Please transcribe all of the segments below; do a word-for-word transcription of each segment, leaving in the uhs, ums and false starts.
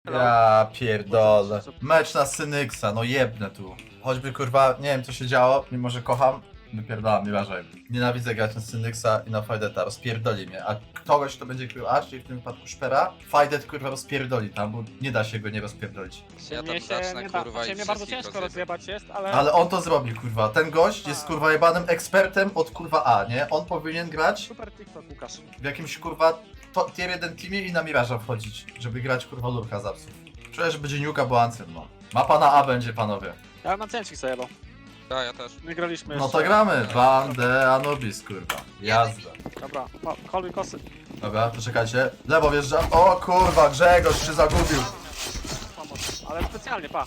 Ja pierdolę. Mecz na Synyksa, no jebnę tu. Choćby kurwa, nie wiem co się działo, mimo że kocham, wypierdolam, nieważne. Nienawidzę grać na Synyksa i na Fajdeta, rozpierdoli mnie. A kogoś, kto będzie krył A, czyli w tym wypadku Szpera, Fajdet kurwa rozpierdoli tam, bo nie da się go nie rozpierdolić. Ja tam Mnie się zacznę nie da, kurwa znaczy i mnie bardzo wszystkich ciężko rozjebę. rozjebać jest, ale... Ale on to zrobi kurwa, ten gość jest kurwa jebanym ekspertem od kurwa A, nie? On powinien grać Super TikTok, Łukasz. w jakimś kurwa to, tier jeden teamie i na Miraża wchodzić, żeby grać kurwa lurka z apsów. Czuję, że będzie Niuka, bo Ancel, no. Mapa na A będzie, panowie. Ja mam cięcik zajebał. Ja, ja też. My graliśmy No jeszcze. to gramy. Bandę Anubis, kurwa. Jazda. Dobra, o, koluj kosy. Dobra, poczekajcie. Lewo wjeżdżam. O kurwa, Grzegorz się zagubił. Pomoc. Ale specjalnie, pa.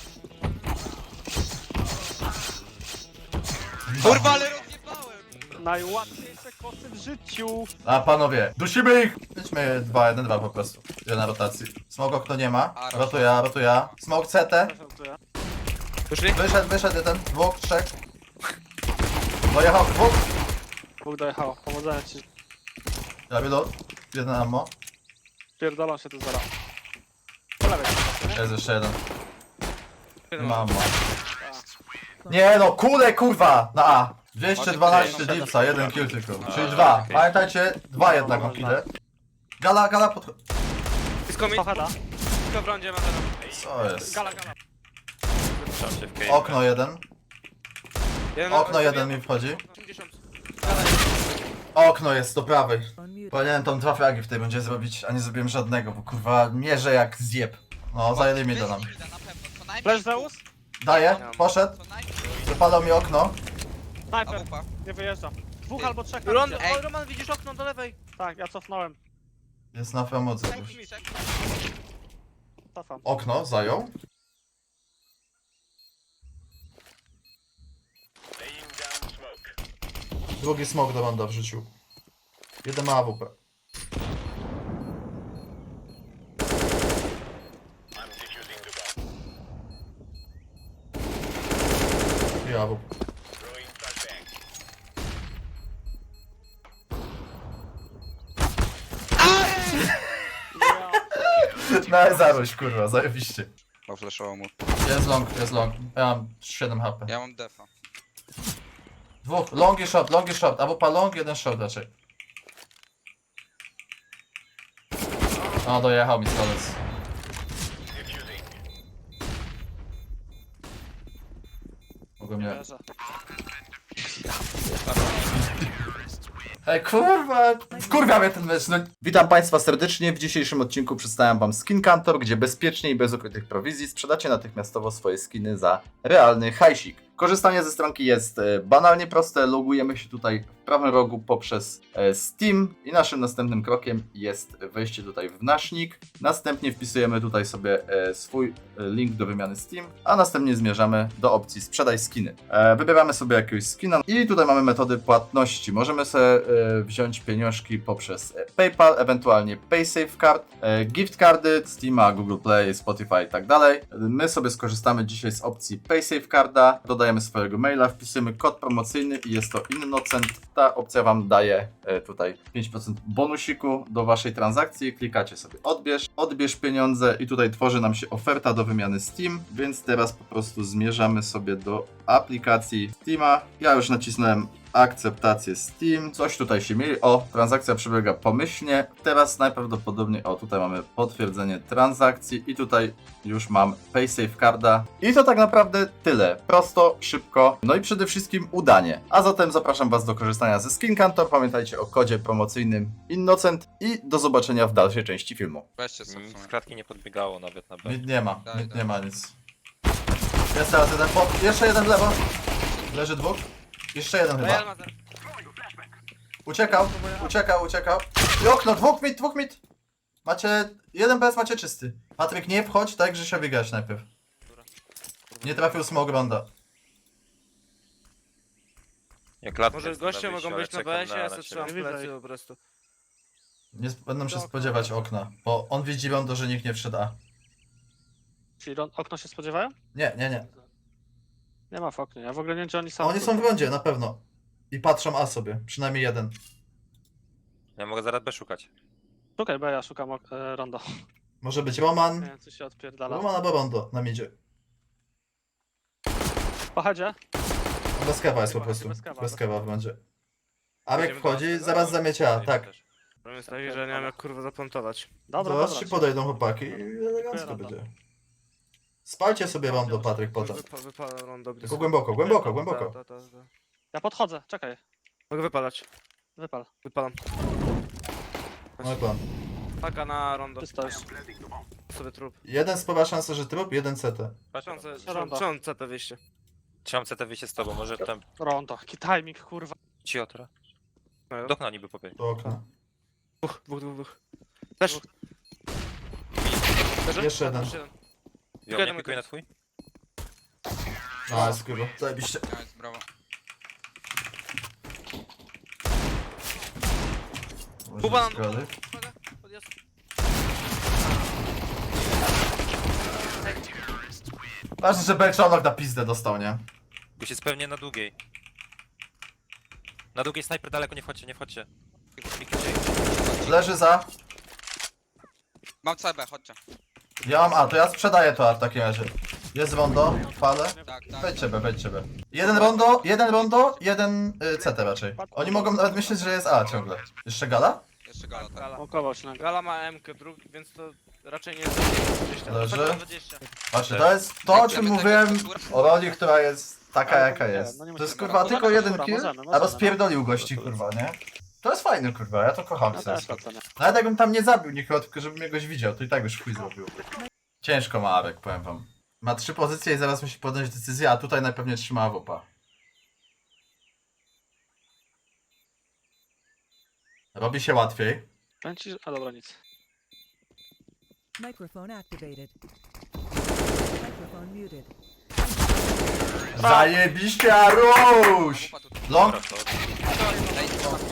Kurwa, ale rozjebałem! Najłatwiejsze kosy w życiu. A panowie, dusimy ich! Idźmy dwa jeden dwa po prostu. Jeden na rotacji. Smoke okno nie ma. Rotuję, rotuję. Smoke C T. Też rotuję. Wyszli? Wyszedł, wyszedł jeden, dwóch, trzech. Dojechał dwóch. Bóg dojechało, powodzenia ci. Ja reload. Jeden ammo. Pierdolą się tu zaraz. Po lewej. nie? Jest jeszcze jeden. Nie ma ammo. Nie no, kule kurwa! Na A. dwieście dwanaście dipsa, jeden kill tylko. Czyli dwa. Pamiętajcie, dwa jednak mam kille. Gala, gala pod... Blisko mi, Pochada. blisko w rondzie ma teraz. Co jest? Gala, gala. Okno jeden. Jeden Okno jeden mi wchodzi. osiemdziesiąt. Okno jest do prawej. Powinienem tam dwa fragi w tej rundzie zrobić, a nie zrobiłem żadnego, bo kurwa mierzę jak zjeb. No, zajęli mi to nam. Flash Zeus? Daję, poszedł. Wypadał mi okno. Sniper. Awupa. Nie wyjeżdżam. Dwóch albo trzech na Ron, razie. o, Roman, widzisz okno do lewej? Tak, ja cofnąłem. Jest na framocy Tak, już. mi, tak. Cofam. Okno zajął. Drugi smok do Ronda w życiu. Jeden ma A W P. I A W P. Ja. No zaroś kurwa, zajebiście. Oflashował mu. Jest long, jest long. Ja mam siedem H P. Ja mam defa. Dwóch, long i short, long i short. A W P long, jeden short raczej. O, dojechał mi stolec. Mogę mnie... Wierzę. Ej, kurwa! Wkurwia mnie ten mecz, no. Witam Państwa serdecznie. W dzisiejszym odcinku przedstawiam Wam Skin Kantor, gdzie bezpiecznie i bez ukrytych prowizji sprzedacie natychmiastowo swoje skiny za realny hajsik. Korzystanie ze stronki jest e, banalnie proste. Logujemy się tutaj w prawym rogu poprzez e, Steam i naszym następnym krokiem jest wejście tutaj w nasz nick. Następnie wpisujemy tutaj sobie e, swój e, link do wymiany Steam, a następnie zmierzamy do opcji sprzedaj skiny. E, wybieramy sobie jakiegoś skina i tutaj mamy metody płatności. Możemy sobie e, wziąć pieniążki poprzez e, PayPal, ewentualnie PaySafeCard, e, gift cardy, Steama, Google Play, Spotify i tak dalej. My sobie skorzystamy dzisiaj z opcji PaySafeCarda. Dodajemy swojego maila, wpisujemy kod promocyjny i jest to Innocent. Ta opcja Wam daje e, tutaj pięć procent bonusiku do Waszej transakcji. Klikacie sobie odbierz, odbierz pieniądze i tutaj tworzy nam się oferta do wymiany Steam, więc teraz po prostu zmierzamy sobie do aplikacji Steama. Ja już nacisnąłem akceptację Steam. Coś tutaj się mieli. O, transakcja przebiega pomyślnie. Teraz najprawdopodobniej, o tutaj mamy potwierdzenie transakcji i tutaj już mam PaySafeCarda. I to tak naprawdę tyle. Prosto, szybko, no i przede wszystkim udanie. A zatem zapraszam Was do korzystania ze Skin Kantor. Pamiętajcie o kodzie promocyjnym Innocent i do zobaczenia w dalszej części filmu. Weźcie sobie. Nic z klatki nie podbiegało nawet na B. Nic nie ma, Daj, nic daj. nie ma nic. Jest teraz jeden po... Jeszcze jeden w lewo. Leży dwóch. Jeszcze jeden chyba. Real Mazer. Uciekał, uciekał, uciekał. I okno, dwóch mit, dwóch mit. Macie, jeden B S macie czysty. Patryk, nie wchodź, tak że się wygrać najpierw. Nie trafił smog ronda. Ja klatkę Może chcę goście wyjść, mogą ale być na czekam B S ie, ja na sobie ciebie. trzymam plecy po prostu. Nie sp- będą się spodziewać okna, bo on widzi rondo, że nikt nie wszedł A. Czyli ron- okno się spodziewają? Nie, nie, nie. Nie ma w oknie, ja w ogóle nie wiem, gdzie oni są. Oni są w rondzie, na pewno. I patrzą A sobie, przynajmniej jeden. Ja mogę zaraz B szukać. Szukaj, bo ja szukam ok- e, rondo. Może być Roman. Nie wiem, co się odpierdala. Roman albo Rondo na midzie. Pochodzie? Bez kawa jest po prostu. Bez kawa, Bez bez kawa w bandzie. Arek Idziemy do wchodzi, następnego? zaraz zamiecia, tak. Problem jest taki, że nie wiem jak kurwa zaplantować. Dobra, Zaraz dobra. ci podejdą chłopaki i elegancko Rondo. będzie. Spalcie sobie Rondo, Patryk, potem. Wypa wypalam rondo Tylko głęboko, głęboko, głęboko. Ta, ta, ta, ta. Ja podchodzę, czekaj. Mogę wypalać. Wypal. Wypalam. Mój plan. Taka na rondo. Czysto już. Sobie trup. Jeden spora szansa, że trup, jeden C T. Szansę, Rondo. szansę C T wyjście. Trzymam C T wyjście z tobą, może tam Rondo. Jaki timing, kurwa. Ciotra. No, Do okna niby pobiegł. Do okna. Dwóch, dwóch, dwóch, dwóch. Też. Jeszcze jeden. Jeszcze jeden. Jo, Jeden nie mój pikuj na ten. twój? A, jest kurwa. Zajebiście. Nice, brawo. Może Kuba, być zgody. Uwaga, podjazd. Ważne, że Belczonok na pizdę dostał, nie? Już jest pewnie na długiej. Na długiej snajper daleko, nie wchodźcie, nie wchodźcie. Leży za. Mam C B, chodźcie. Ja mam A, to ja sprzedaję to A w takim razie. Jest rondo, fale. Tak, tak. Wejdźcie B, wejdźcie B. Jeden rondo, jeden rondo, jeden y, C T raczej. Oni mogą nawet myśleć, że jest A ciągle. Jeszcze gala? Jeszcze gala, tak. Gala. Mokował się na Gala ma M K drugi, więc to raczej nie jest dwadzieścia. Leży. Tak, dwadzieścia. Właśnie, to jest to, o czym mówiłem o roli, która jest taka, jaka jest. No nie To jest musimy. kurwa Możemy, tylko jeden możemy, kill, możemy, a możemy. rozpierdolił gości, kurwa, nie? To jest fajne, kurwa, ja to kocham No w sensie. też oceniam. Nawet jakbym tam nie zabił nikogo, tylko żebym jakoś widział, to i tak już chuj zrobił. Ciężko ma Arek, powiem wam. Ma trzy pozycje i zaraz musi podjąć decyzję, a tutaj najpewniej trzyma W P. Robi się łatwiej. Powiem ci, że... A dobra, nic. Microphone activated. Microphone muted. Zajebiście, Aruś! Wupa tutaj. Long? Dobra, to Ej,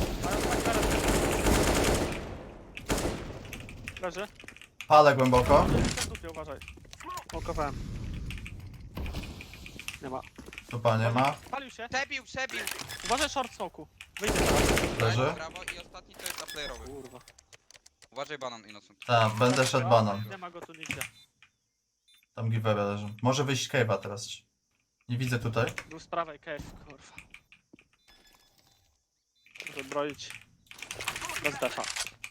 Leży. Palę głęboko. W dupie, uważaj. Mokowałem. Nie ma. Tu nie ma. Palił się. przebił, przebił. Uważaj short smoku. Wyjdzie teraz. Leży. Brawo i ostatni to jest uplayer'owy. Kurwa. Uważaj banan, Innocent. Tak, będę szedł banan. Nie ma go tu nigdzie. Tam giveaway leży. Może wyjść cave'a teraz. Nie widzę tutaj. Był z prawej cave, kurwa. Może broić. Bez defa.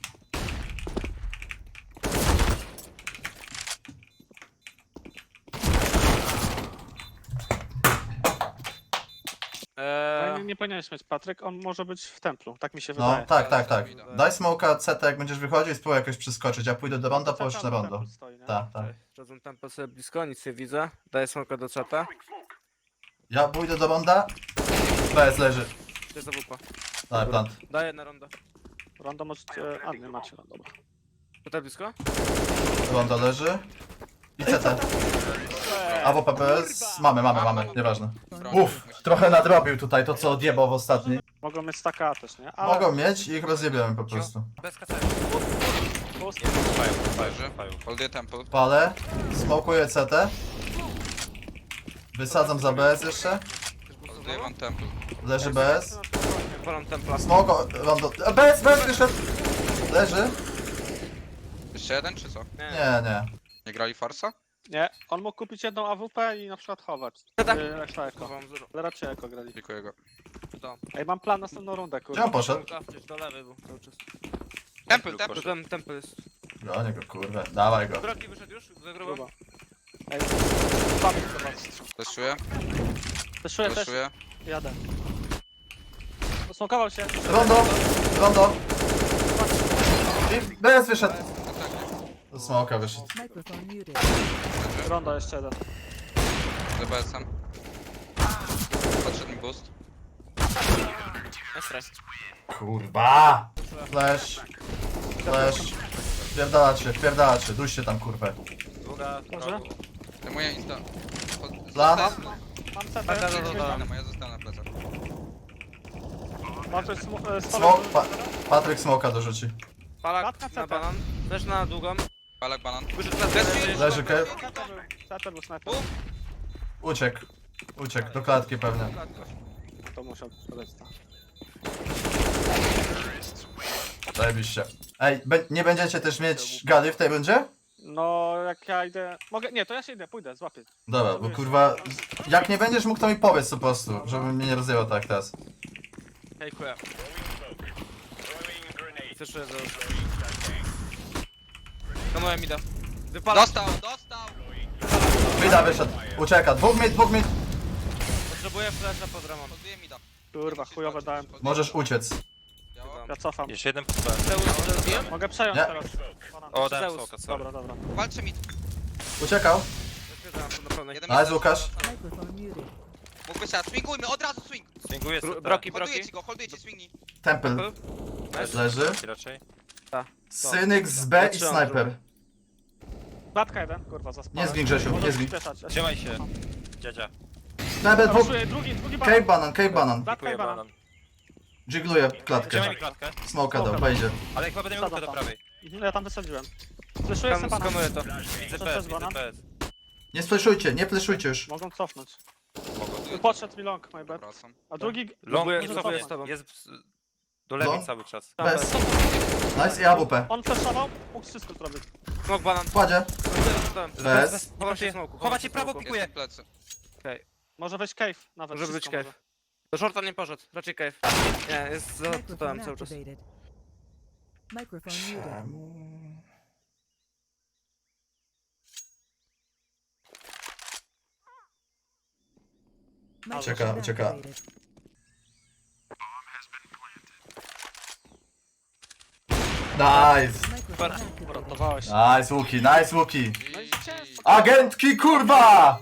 Eee, Nie, nie powinieneś mieć Patryk, on może być w templu, tak mi się No, wydaje. tak, tak, tak. Daj smoka C T, jak będziesz wychodził i spróbuj jakoś przeskoczyć. Ja pójdę do ronda, połóż na rondo. Templu stoi, nie? Tak, tak. Chodzą tempo sobie blisko, nic nie widzę. Daję smoka do czata. Ja pójdę do ronda. B S leży. Gdzie za wupa? Daj, plant. Daję na rondo. Rondo możecie... A, nie macie, no dobra. Tutaj blisko? Rondo leży. I C T. A W P P S? Mamy, mamy, mamy. Nieważne. Uff, trochę nadrobił tutaj to, co odjebał w ostatniej. Mogą mieć staka też, nie? Ale... Mogą mieć i ich rozjebiemy po prostu. bez kaca. Pust. Fają, fają, Leży. fają. Holduję temple. Palę. Smokuję C T. Wysadzam za B S jeszcze. Holduję wam temple. Leży B S. Palam templa. Smoko, rondo. A, B S, B S wyszedł. Leży. Jeszcze jeden, czy co? Nie, nie. Nie grali farsa? Nie, on mógł kupić jedną A W P i na przykład chować. Tak. Yy, Reszta eko. Mam zero. Ale raczej eko grali. Dziękuję go. To. Ej, mam plan na następną rundę, Gdzie kurwa. on poszedł? Gdzieś do lewej był cały czas. Temple, To temple. ten temple jest. Gonię go, kurwa. Dawaj go. Drogi wyszedł już? Zagrywam. Kurwa. Ej, słaby to was. Fleszuję, Teszuję też, fleszuję. jadę. Posmokował się. Rondo. Rondo. I B S wyszedł. Do smoka wyszedł. Microphone muted. Rondo jeszcze jeden. Z B S-em. Podszedł mi boost. Nice try. Kurwa. Flash. Flash. Pierdalacie, pierdalacie. Duście tam, kurwę. Długa, Może? rogu. Zajmuję insta. Plan? Mam setę. Tak, tak, tak, tak. Zostanę, ja zostanę na plecach. Mam coś sm- e, Smok. Pa Patryk smoka dorzuci. Palak Klatka na C T. banan. Też na długą. Palak banan. Wyszedł na lewej. Leży cave. Setę był, setę był snajper. Uciekł. Uciekł. Do klatki pewnie. To musiał podać tak. Zajebiście. Ej, be nie będziecie też mieć gali w tej rundzie? No, jak ja idę... Mogę... Nie, to ja się idę, pójdę, złapię. Dobra, bo kurwa, jak nie będziesz mógł, to mi powiedz po prostu, żebym mnie nie rozjęło tak teraz. Hejkuję. Słyszyję, że... No moja mida. Wypala. Dostał, dostał! Mida wyszedł, ucieka, dwóch mid, dwóch mid. Potrzebuję flasha pod ramą. Podbiję mi da. Kurwa, chujowe dałem. Możesz uciec. Ja cofam. Jeszcze jeden pod B. Zeus, zabiłem? Mogę przejąć Nie. teraz. Banan. O, dałem Zeus. smoka, sorry. Dobra, dobra. Walczy mi. Uciekał. Zatwierdzam to na pełnej. Jeden Nice, mi- Łukasz. Microphone muted. Mógłby się, swingujmy, od razu swing. Swinguję Bro- sobie. Broki, Holduję broki. ci go, holduję ci, swingnij. Temple leży. Broki raczej. Synek z B i Zatrzymam sniper. Klatka jeden, kurwa, zaspałem. Nie zgin, Grzesiu, nie Możesz zgin. przyspieszać. Ja się- Trzymaj się. Dziadzia. Temple dwóch. Ruszuję, drugi, drugi banan. Cave banan, cave banan. Klatka i Dziękuję, banan. banan. Jiggluję klatkę. Trzymaj mi klatkę. Smoka dał, wejdzie. Ale chyba będę miał Sadam do tam. prawej. Mhm, ja tam wysadziłem. Fleszuję sobie Tam banan. skanuję to. Widzę To P S, jest widzę banan? P S. Nie spleszujcie, nie fleszujcie już. Mogą cofnąć. Podbiję. Podszedł mi long, my bad. Wracam. A drugi... Long Próbuję, jest, próbuję jest, z tobą. jest do lewej Long? cały czas. Bez. Nice i A W P. On flashował, mógł wszystko zrobić. Smok banan. Kładzie. Bez. Bez. Chowam się smoku. Chowacie prawo, Jest pikuję. w plecy. Może wejść cave nawet. Może być wszystko cave. Do shorta nie poszedł. Raczej cave. Nie, jest za Microphone totem cały czas. activated. Microphone muted. Ucieka, Microphone ucieka. activated. Nice. Microphone activated. Uratowałeś. Nice Łuki, nice Łuki. No i ciężko. Agentki kurwa!